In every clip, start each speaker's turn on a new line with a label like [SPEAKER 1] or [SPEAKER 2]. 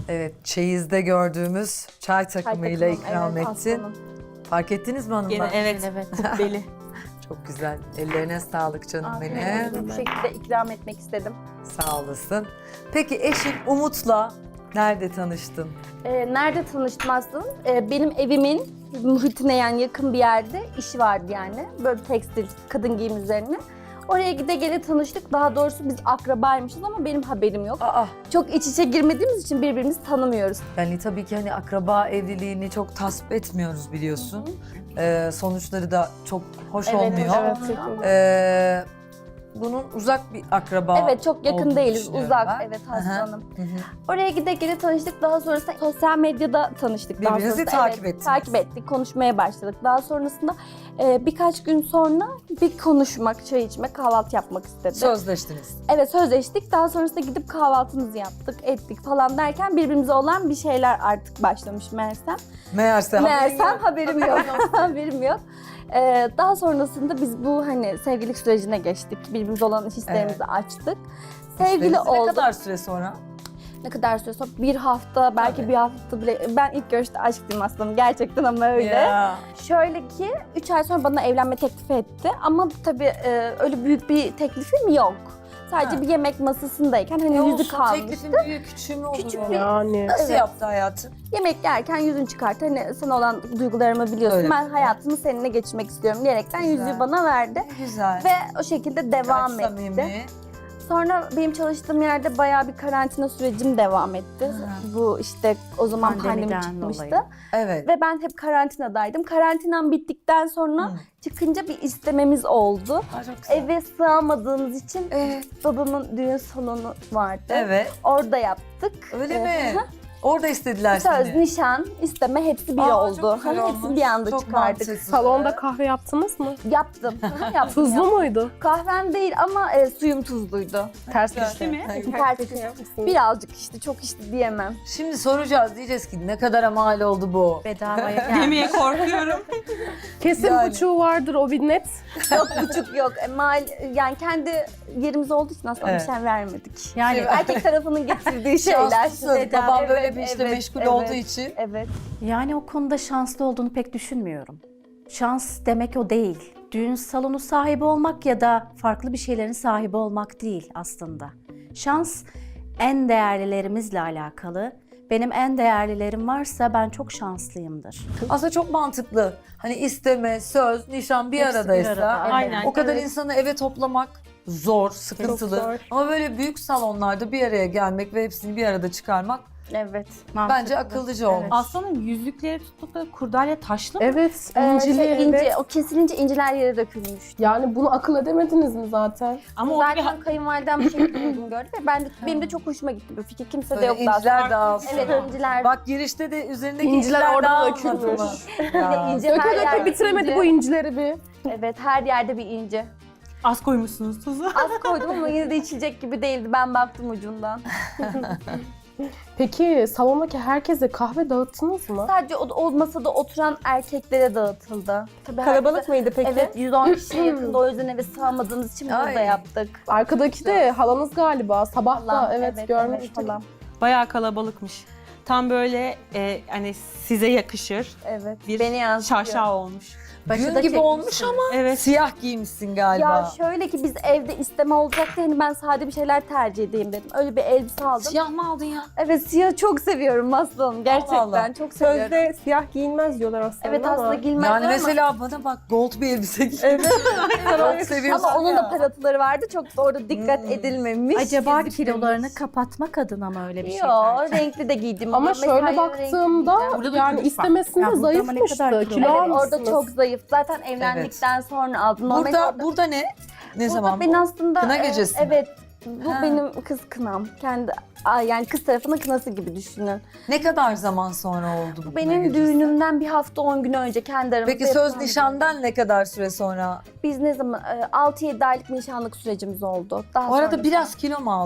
[SPEAKER 1] Evet, çeyizde gördüğümüz çay takımıyla
[SPEAKER 2] takımım,
[SPEAKER 1] ikram
[SPEAKER 2] evet,
[SPEAKER 1] ettin.
[SPEAKER 2] aslanım.
[SPEAKER 1] Fark ettiniz mi hanımlar?
[SPEAKER 3] Gene evet. Kubbeli.
[SPEAKER 1] Çok güzel. Ellerine sağlık canım
[SPEAKER 2] Afiyet
[SPEAKER 1] benim.
[SPEAKER 2] olsun. Bu şekilde ikram etmek istedim.
[SPEAKER 1] Sağ olasın. Peki eşin Umut'la nerede tanıştın?
[SPEAKER 2] Nerede tanıştım aslında? Benim evimin muhitine yani yakın bir yerde işi vardı yani. Böyle tekstil, kadın giyim üzerine. Oraya gide gele tanıştık. Daha doğrusu biz akrabaymışız ama benim haberim yok.
[SPEAKER 1] Aa,
[SPEAKER 2] Çok iç içe girmediğimiz için birbirimizi tanımıyoruz.
[SPEAKER 1] yani tabii ki hani akraba evliliğini çok tasvip etmiyoruz biliyorsun. Sonuçları da çok hoş olmuyor.
[SPEAKER 2] Evet.
[SPEAKER 1] Bunun uzak bir akraba
[SPEAKER 2] Evet, çok yakın
[SPEAKER 1] olduğunu
[SPEAKER 2] değiliz.
[SPEAKER 1] düşünüyorum
[SPEAKER 2] Uzak.
[SPEAKER 1] ben.
[SPEAKER 2] Evet,
[SPEAKER 1] Hı hı.
[SPEAKER 2] Hanım.
[SPEAKER 1] Hı hı.
[SPEAKER 2] Oraya gide gele tanıştık. Daha sonrasında sosyal medyada tanıştık. Daha
[SPEAKER 1] Birbirinizi
[SPEAKER 2] sonrasında,
[SPEAKER 1] takip ettiniz.
[SPEAKER 2] Takip ettik, konuşmaya başladık. Daha sonrasında birkaç gün sonra bir konuşmak, çay içmek, kahvaltı yapmak istedi.
[SPEAKER 1] Sözleştiniz.
[SPEAKER 2] Evet, sözleştik. Daha sonrasında gidip kahvaltımızı yaptık, ettik falan derken birbirimize olan bir şeyler artık başlamış meğersem.
[SPEAKER 1] Meğersem
[SPEAKER 2] Haberim yok. Haberim yok. Daha sonrasında biz bu hani sevgililik sürecine geçtik. Birbirimize olan hislerimizi açtık. Sevgili
[SPEAKER 1] Ne
[SPEAKER 2] olduk.
[SPEAKER 1] kadar süre sonra?
[SPEAKER 2] Ne kadar süre sonra? Bir hafta, belki
[SPEAKER 1] Tabii.
[SPEAKER 2] bir hafta bile. Ben ilk görüşte aşktım aslında gerçekten ama öyle.
[SPEAKER 1] Ya.
[SPEAKER 2] Şöyle ki 3 ay sonra bana evlenme teklifi etti. Ama tabii öyle büyük bir teklifim yok. Sadece
[SPEAKER 1] Ha.
[SPEAKER 2] bir yemek masasındayken hani yüzük
[SPEAKER 1] Olsun,
[SPEAKER 2] kalmış.
[SPEAKER 1] teklifin büyük küçüğü mü olur?
[SPEAKER 2] Küçük
[SPEAKER 1] o?
[SPEAKER 2] bir-
[SPEAKER 4] Yani.
[SPEAKER 1] Nasıl
[SPEAKER 2] Evet.
[SPEAKER 1] yaptı hayatı?
[SPEAKER 2] Yemek yerken yüzün çıkarttı. Hani sana olan duygularımı biliyorsun.
[SPEAKER 1] Öyle.
[SPEAKER 2] Ben hayatımı seninle geçirmek istiyorum diyerekten
[SPEAKER 1] Güzel.
[SPEAKER 2] yüzüğü bana verdi.
[SPEAKER 1] Güzel.
[SPEAKER 2] Ve o şekilde devam
[SPEAKER 1] Gayet
[SPEAKER 2] etti.
[SPEAKER 1] samimi.
[SPEAKER 2] Sonra benim çalıştığım yerde bayağı bir karantina sürecim devam etti.
[SPEAKER 1] Ha.
[SPEAKER 2] Bu işte o zaman pandemi
[SPEAKER 3] Pandemiden
[SPEAKER 2] çıkmıştı.
[SPEAKER 3] dolayı.
[SPEAKER 1] Evet.
[SPEAKER 2] Ve ben hep karantinadaydım. Karantinam bittikten sonra
[SPEAKER 1] Hı.
[SPEAKER 2] çıkınca bir istememiz oldu.
[SPEAKER 1] Aa, çok güzel.
[SPEAKER 2] Eve sığamadığımız için babamın düğün salonu vardı.
[SPEAKER 1] Evet.
[SPEAKER 2] Orada yaptık.
[SPEAKER 1] Öyle
[SPEAKER 2] Ee,
[SPEAKER 1] mi? Orada istediler
[SPEAKER 2] Söz,
[SPEAKER 1] seni.
[SPEAKER 2] nişan, isteme hepsi bir
[SPEAKER 1] Aa,
[SPEAKER 2] oldu.
[SPEAKER 1] çok güzel
[SPEAKER 2] Hepsini
[SPEAKER 1] olmuş.
[SPEAKER 2] bir anda
[SPEAKER 1] Çok
[SPEAKER 2] çıkardık.
[SPEAKER 1] mantıklı.
[SPEAKER 4] Salonda kahve yaptınız mı?
[SPEAKER 2] Yaptım. Yaptım.
[SPEAKER 4] Tuzlu muydu?
[SPEAKER 2] Kahvem değil ama suyum tuzluydu.
[SPEAKER 4] Ters
[SPEAKER 1] Güzel.
[SPEAKER 4] köşe.
[SPEAKER 3] mi?
[SPEAKER 2] Ters köşe. Birazcık işte, çok işte diyemem.
[SPEAKER 1] Şimdi soracağız, diyeceğiz ki ne kadara mal oldu bu?
[SPEAKER 3] Bedavaya geldi. Demeye korkuyorum.
[SPEAKER 4] Kesin
[SPEAKER 1] Yani.
[SPEAKER 4] buçuğu vardır o bir net.
[SPEAKER 2] Yok, buçuk yok. Yani kendi yerimiz olduğu için aslında
[SPEAKER 1] Evet.
[SPEAKER 2] bir şey vermedik.
[SPEAKER 3] Yani
[SPEAKER 2] Erkek tarafının getirdiği şeyler.
[SPEAKER 1] Şanslısın. Babam
[SPEAKER 2] Evet,
[SPEAKER 1] böyle bir işte
[SPEAKER 2] evet,
[SPEAKER 1] meşgul
[SPEAKER 2] evet.
[SPEAKER 1] olduğu için.
[SPEAKER 2] Evet.
[SPEAKER 5] Yani o konuda şanslı olduğunu pek düşünmüyorum. Şans demek o değil. Düğün salonu sahibi olmak ya da farklı bir şeylerin sahibi olmak değil aslında. Şans en değerlilerimizle alakalı. Benim en değerlilerim varsa ben çok şanslıyımdır.
[SPEAKER 1] Aslında çok mantıklı. Hani isteme, söz, nişan bir
[SPEAKER 5] Hepsi bir
[SPEAKER 1] aradaysa
[SPEAKER 5] arada,
[SPEAKER 3] aynen.
[SPEAKER 1] o kadar
[SPEAKER 2] Evet.
[SPEAKER 1] insanı eve toplamak zor, sıkıntılı.
[SPEAKER 4] Çok zor.
[SPEAKER 1] Ama böyle büyük salonlarda bir araya gelmek ve hepsini bir arada çıkarmak
[SPEAKER 2] Evet.
[SPEAKER 1] bence akıllıca olmuş.
[SPEAKER 3] Aslanın yüzükleri tutup da kurdalya taşlı mı?
[SPEAKER 4] Evet,
[SPEAKER 2] İncili,
[SPEAKER 4] incili.
[SPEAKER 2] ince,
[SPEAKER 4] evet.
[SPEAKER 2] o kesilince inciler yere dökülmüş.
[SPEAKER 4] Yani bunu akıl edemediniz mi zaten?
[SPEAKER 3] Ama orada bir
[SPEAKER 2] Zaten kayınvalidem bir şekilde uygun gördü ve benim de çok hoşuma gitti bu fikir. Kimse de
[SPEAKER 1] Böyle
[SPEAKER 2] yoktu
[SPEAKER 1] inciler
[SPEAKER 2] aslında.
[SPEAKER 1] dağılsın.
[SPEAKER 2] Evet, inciler.
[SPEAKER 1] Bak girişte de üzerindeki
[SPEAKER 4] İnciler orada
[SPEAKER 1] dağılmadı
[SPEAKER 4] dökülmüş.
[SPEAKER 1] mı?
[SPEAKER 2] Bir de
[SPEAKER 1] Ya.
[SPEAKER 2] ince
[SPEAKER 4] Döke
[SPEAKER 2] her
[SPEAKER 4] döke
[SPEAKER 2] yerde
[SPEAKER 4] bitiremedi
[SPEAKER 2] ince.
[SPEAKER 4] bu incileri bir.
[SPEAKER 2] Evet, her yerde bir ince.
[SPEAKER 3] az koymuşsunuz tuzu.
[SPEAKER 2] Az koydum ama yine de içilecek gibi değildi. Ben baktım ucundan.
[SPEAKER 4] Peki salondaki herkese kahve dağıttınız mı?
[SPEAKER 2] Sadece o masada oturan erkeklere dağıtıldı. Tabii
[SPEAKER 4] Kalabalık mıydı peki?
[SPEAKER 2] Evet, 110 kişiye yakında, o yüzden eve sığamadığımız için burada
[SPEAKER 1] Ay.
[SPEAKER 2] yaptık.
[SPEAKER 4] Arkadaki de halanız galiba. Sabah da
[SPEAKER 2] Falan,
[SPEAKER 4] evet görmüştüm.
[SPEAKER 2] falan.
[SPEAKER 3] Bayağı kalabalıkmış. Tam böyle hani size yakışır.
[SPEAKER 2] Evet,
[SPEAKER 3] Bir
[SPEAKER 2] beni yansıtıyor.
[SPEAKER 3] şaşa olmuş.
[SPEAKER 1] Düğün
[SPEAKER 2] da
[SPEAKER 1] gibi
[SPEAKER 2] çekmişsin.
[SPEAKER 1] olmuş ama
[SPEAKER 3] Evet.
[SPEAKER 1] siyah giymişsin galiba.
[SPEAKER 2] Ya şöyle ki biz evde isteme olacaktı, hani ben sade bir şeyler tercih edeyim dedim. Öyle bir elbise aldım.
[SPEAKER 1] Siyah mı aldın ya?
[SPEAKER 2] Evet, siyah çok seviyorum aslım. Gerçekten
[SPEAKER 1] Allah.
[SPEAKER 2] çok seviyorum.
[SPEAKER 4] Sözde siyah giyinmez diyorlar aslında
[SPEAKER 2] Evet,
[SPEAKER 4] ama.
[SPEAKER 2] aslında giyilmez
[SPEAKER 1] Yani
[SPEAKER 2] ama,
[SPEAKER 1] mesela bana bak gold bir elbise giy. Evet. Çok seviyorsun
[SPEAKER 2] ama onun
[SPEAKER 1] ya.
[SPEAKER 2] da parıltıları vardı. Çok da orada dikkat edilmemiş.
[SPEAKER 5] Acaba
[SPEAKER 2] Gizli
[SPEAKER 5] kilolarını
[SPEAKER 2] gizli.
[SPEAKER 5] kapatmak adına mı öyle bir şey
[SPEAKER 2] Yo,
[SPEAKER 5] tercih?
[SPEAKER 2] renkli de giydim.
[SPEAKER 4] Ama
[SPEAKER 2] Mesela
[SPEAKER 4] şöyle
[SPEAKER 2] renkli
[SPEAKER 4] baktığımda
[SPEAKER 2] giyeceğim.
[SPEAKER 3] Burada da
[SPEAKER 4] yani
[SPEAKER 3] külüş var.
[SPEAKER 4] istemesinde
[SPEAKER 5] Ya burada ama ne kadar
[SPEAKER 4] zayıfmıştı.
[SPEAKER 5] kilo
[SPEAKER 4] Kilo
[SPEAKER 2] Evet,
[SPEAKER 4] almışsınız.
[SPEAKER 2] orada çok zayıf. Zaten evlendikten sonra aldım. Normalde
[SPEAKER 1] Burada ne? Ne
[SPEAKER 2] burada
[SPEAKER 1] zaman
[SPEAKER 2] ben
[SPEAKER 1] bu?
[SPEAKER 2] aslında
[SPEAKER 1] Kına gecesi mi?
[SPEAKER 2] evet. Bu
[SPEAKER 1] Ha.
[SPEAKER 2] benim kız kınam. Yani kız tarafının kınası gibi düşünün.
[SPEAKER 1] Ne kadar zaman sonra oldu bu kına
[SPEAKER 2] Benim
[SPEAKER 1] gecesi?
[SPEAKER 2] düğünümden bir hafta 10 gün önce kendi aramızda
[SPEAKER 1] Peki söz
[SPEAKER 2] yapılan bir
[SPEAKER 1] nişandan ne kadar süre sonra?
[SPEAKER 2] düğün. Biz ne zaman 6-7 aylık nişanlık sürecimiz oldu. Daha
[SPEAKER 1] O arada
[SPEAKER 2] sonra-
[SPEAKER 1] biraz kilo mu aldın?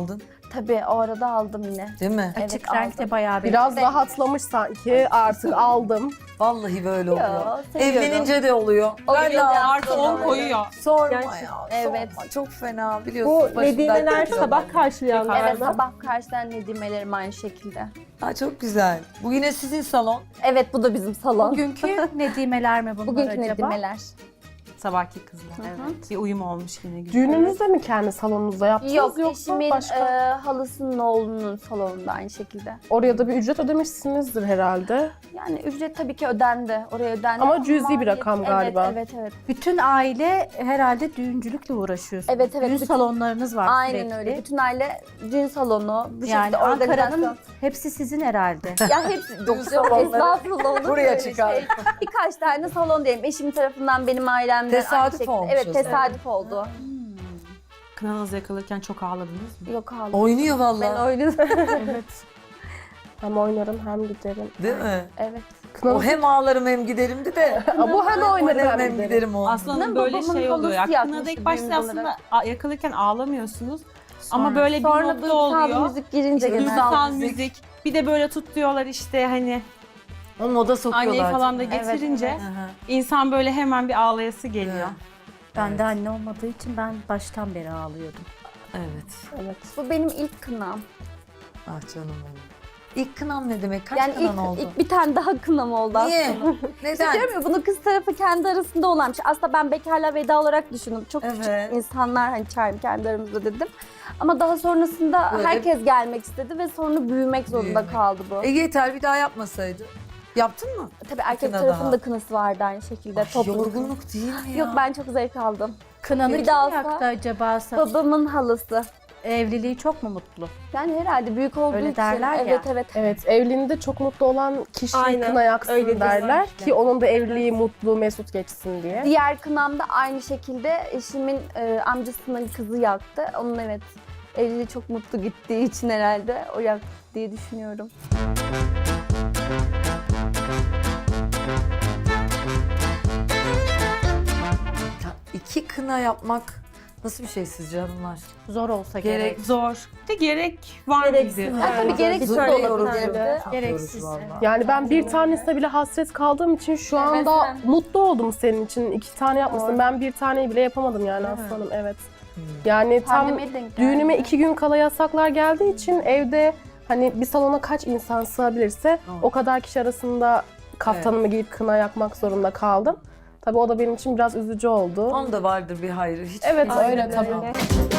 [SPEAKER 2] Tabii o arada aldım yine.
[SPEAKER 1] Değil mi?
[SPEAKER 2] Evet,
[SPEAKER 5] Açık renkte
[SPEAKER 2] aldım.
[SPEAKER 5] bayağı bir...
[SPEAKER 4] Biraz rahatlamış sanki. Artık aldım.
[SPEAKER 1] Vallahi böyle oluyor.
[SPEAKER 2] seviyorum.
[SPEAKER 1] Evlenince de oluyor.
[SPEAKER 2] Oluyor
[SPEAKER 1] Ben de
[SPEAKER 2] ya,
[SPEAKER 3] Artı 10
[SPEAKER 2] oluyor.
[SPEAKER 3] koyuyor.
[SPEAKER 1] Sorma
[SPEAKER 4] Gerçekten.
[SPEAKER 1] ya.
[SPEAKER 2] Evet.
[SPEAKER 1] Sorma. Çok fena biliyorsun.
[SPEAKER 4] Bu Nedimeler sabah karşılayanlar
[SPEAKER 2] Evet
[SPEAKER 4] mı?
[SPEAKER 2] sabah karşıdan Nedimelerim aynı şekilde.
[SPEAKER 1] Ha, çok güzel. Bu yine sizin salon.
[SPEAKER 2] Evet bu da bizim salon.
[SPEAKER 5] Bugünkü nedimeler mi bunlar
[SPEAKER 2] Bugünkü
[SPEAKER 5] acaba?
[SPEAKER 2] Nedimeler.
[SPEAKER 3] Sabahki kızlar. Evet. Bir uyum olmuş yine güzel.
[SPEAKER 4] Düğününüzde mi kendi salonunuzda yaptınız
[SPEAKER 2] Yok
[SPEAKER 4] yoksa
[SPEAKER 2] eşimin
[SPEAKER 4] başka?
[SPEAKER 2] halasının oğlunun salonunda aynı şekilde.
[SPEAKER 4] Oraya da bir ücret ödemişsinizdir herhalde.
[SPEAKER 2] Yani ücret tabii ki ödendi. Oraya ödendi.
[SPEAKER 4] Ama cüzi bir rakam
[SPEAKER 2] Evet,
[SPEAKER 4] galiba.
[SPEAKER 2] Evet evet.
[SPEAKER 5] Bütün aile herhalde düğüncülükle uğraşıyorsunuz.
[SPEAKER 2] Evet, evet.
[SPEAKER 5] Düğün
[SPEAKER 2] Bütün-
[SPEAKER 5] salonlarınız var
[SPEAKER 2] Aynen
[SPEAKER 5] sürekli.
[SPEAKER 2] öyle. Bütün aile düğün salonu, bu
[SPEAKER 5] Yani
[SPEAKER 2] şekilde
[SPEAKER 5] Ankara'nın
[SPEAKER 2] organizasyon.
[SPEAKER 5] hepsi sizin herhalde.
[SPEAKER 2] Ya hepsi
[SPEAKER 1] Düğün salonları
[SPEAKER 2] estağfurullah olur mu
[SPEAKER 1] buraya
[SPEAKER 2] öyle
[SPEAKER 1] çıkar.
[SPEAKER 2] şey? Birkaç tane salon diyelim. Eşim tarafından benim ailemden
[SPEAKER 1] Tesadüf
[SPEAKER 2] aynı şekilde.
[SPEAKER 1] olmuş
[SPEAKER 2] Evet
[SPEAKER 1] o zaman.
[SPEAKER 2] tesadüf oldu.
[SPEAKER 3] Kınanız yakılırken çok ağladınız mı?
[SPEAKER 2] Yok aldım.
[SPEAKER 1] Oynuyor
[SPEAKER 2] Ben
[SPEAKER 1] vallahi.
[SPEAKER 2] oynadım.
[SPEAKER 4] Evet. Hem oynarım hem giderim.
[SPEAKER 1] Değil mi?
[SPEAKER 2] Evet.
[SPEAKER 1] O hem ağlarım hem giderimdi de.
[SPEAKER 4] Bu hem oynarım
[SPEAKER 1] hem
[SPEAKER 4] hem giderim.
[SPEAKER 1] giderim o.
[SPEAKER 3] Aslanın böyle
[SPEAKER 2] babamın
[SPEAKER 3] şey oluyor. Ya,
[SPEAKER 2] halısı
[SPEAKER 3] kınada
[SPEAKER 2] yakmıştı
[SPEAKER 3] ilk başta
[SPEAKER 2] düğün
[SPEAKER 3] aslında yakılırken ağlamıyorsunuz. Ama
[SPEAKER 5] Sonra-
[SPEAKER 3] böyle bir
[SPEAKER 2] Sonra
[SPEAKER 3] modda
[SPEAKER 2] duygusal
[SPEAKER 3] oluyor.
[SPEAKER 2] müzik girince genelde.
[SPEAKER 3] Duygusal müzik. Bir de böyle tutuyorlar işte hani
[SPEAKER 1] O moda sokuyorlar.
[SPEAKER 3] anneyi falan da
[SPEAKER 1] değil mi?
[SPEAKER 3] getirince
[SPEAKER 1] Hı hı.
[SPEAKER 3] insan böyle hemen bir ağlayası geliyor.
[SPEAKER 5] Ben de anne olmadığı için ben baştan beri ağlıyordum.
[SPEAKER 1] Evet.
[SPEAKER 4] Evet.
[SPEAKER 2] Bu benim ilk kınam.
[SPEAKER 1] Ah canım benim. İlk kınam ne demek? Kaç
[SPEAKER 2] Yani
[SPEAKER 1] kınan oldu?
[SPEAKER 2] ilk bir tane daha kınam oldu
[SPEAKER 1] Niye?
[SPEAKER 2] aslında.
[SPEAKER 1] Neden?
[SPEAKER 2] Diyorum ya bunu kız tarafı kendi arasında olanmış. Aslında ben bekarlığa veda olarak düşündüm. Çok
[SPEAKER 1] Evet.
[SPEAKER 2] küçük insanlar hani çağırayım kendi aramızda dedim. Ama daha sonrasında
[SPEAKER 1] Böyle-
[SPEAKER 2] herkes gelmek istedi ve sonra büyümek zorunda
[SPEAKER 1] Büyümek.
[SPEAKER 2] kaldı bu.
[SPEAKER 1] Yeter bir daha yapmasaydı. Yaptın mı?
[SPEAKER 2] Tabii erkek
[SPEAKER 1] kına
[SPEAKER 2] tarafının
[SPEAKER 1] daha.
[SPEAKER 2] da kınası vardı aynı şekilde.
[SPEAKER 1] Ay,
[SPEAKER 2] toplu.
[SPEAKER 1] yorgunluk değil mi ya?
[SPEAKER 2] Yok ben çok zevk aldım.
[SPEAKER 5] Kınanı
[SPEAKER 2] Bir
[SPEAKER 5] kim
[SPEAKER 2] daha olsa-
[SPEAKER 5] yaktı acaba?
[SPEAKER 2] Babamın halası.
[SPEAKER 5] Evliliği çok mu mutlu?
[SPEAKER 2] Yani herhalde büyük olduğu
[SPEAKER 5] Öyle
[SPEAKER 2] için.
[SPEAKER 5] derler ya.
[SPEAKER 2] Evet evet.
[SPEAKER 4] Evet, evliliğinde çok mutlu olan kişi Aynen, kına yaksın öyle derler
[SPEAKER 5] kesinlikle.
[SPEAKER 4] ki onun da evliliği mutlu, mesut geçsin diye.
[SPEAKER 2] Diğer kınamda aynı şekilde eşimin amcasının kızı yaktı. Onun evet evliliği çok mutlu gittiği için herhalde o yaktı diye düşünüyorum.
[SPEAKER 1] Ya, İki kına yapmak nasıl bir şey sizce hanımlar?
[SPEAKER 5] Zor olsa
[SPEAKER 1] Gerek-
[SPEAKER 5] gerek.
[SPEAKER 3] Zor. De gerek var
[SPEAKER 4] Gereksiz.
[SPEAKER 3] mıydı?
[SPEAKER 2] Ha, tabii gereksiz de
[SPEAKER 1] Zor,
[SPEAKER 2] olabilir.
[SPEAKER 1] yorucu.
[SPEAKER 2] de.
[SPEAKER 1] Çok
[SPEAKER 5] Gereksiz,
[SPEAKER 1] yorucu
[SPEAKER 5] evet.
[SPEAKER 1] vallahi.
[SPEAKER 4] Yani ben bir tanesine bile hasret kaldığım için şu anda
[SPEAKER 2] Mesela.
[SPEAKER 4] mutlu oldum senin için. 2 tane yapmışsın.
[SPEAKER 2] Doğru.
[SPEAKER 4] Ben bir taneyi bile yapamadım yani
[SPEAKER 1] Değil mi?
[SPEAKER 4] aslanım. Evet. Yani tam
[SPEAKER 2] Pandemiye denk geldi.
[SPEAKER 4] düğünüme 2 gün kala yasaklar geldiği için evde hani bir salona kaç insan sığabilirse
[SPEAKER 1] Doğru.
[SPEAKER 4] o kadar kişi arasında kaftanımı giyip kına yakmak zorunda kaldım. Tabii o da benim için biraz üzücü oldu.
[SPEAKER 1] Onda vardır bir hayrı. Hiç
[SPEAKER 4] Evet,
[SPEAKER 1] kimse
[SPEAKER 4] öyle
[SPEAKER 1] bilmiyor.
[SPEAKER 4] tabii.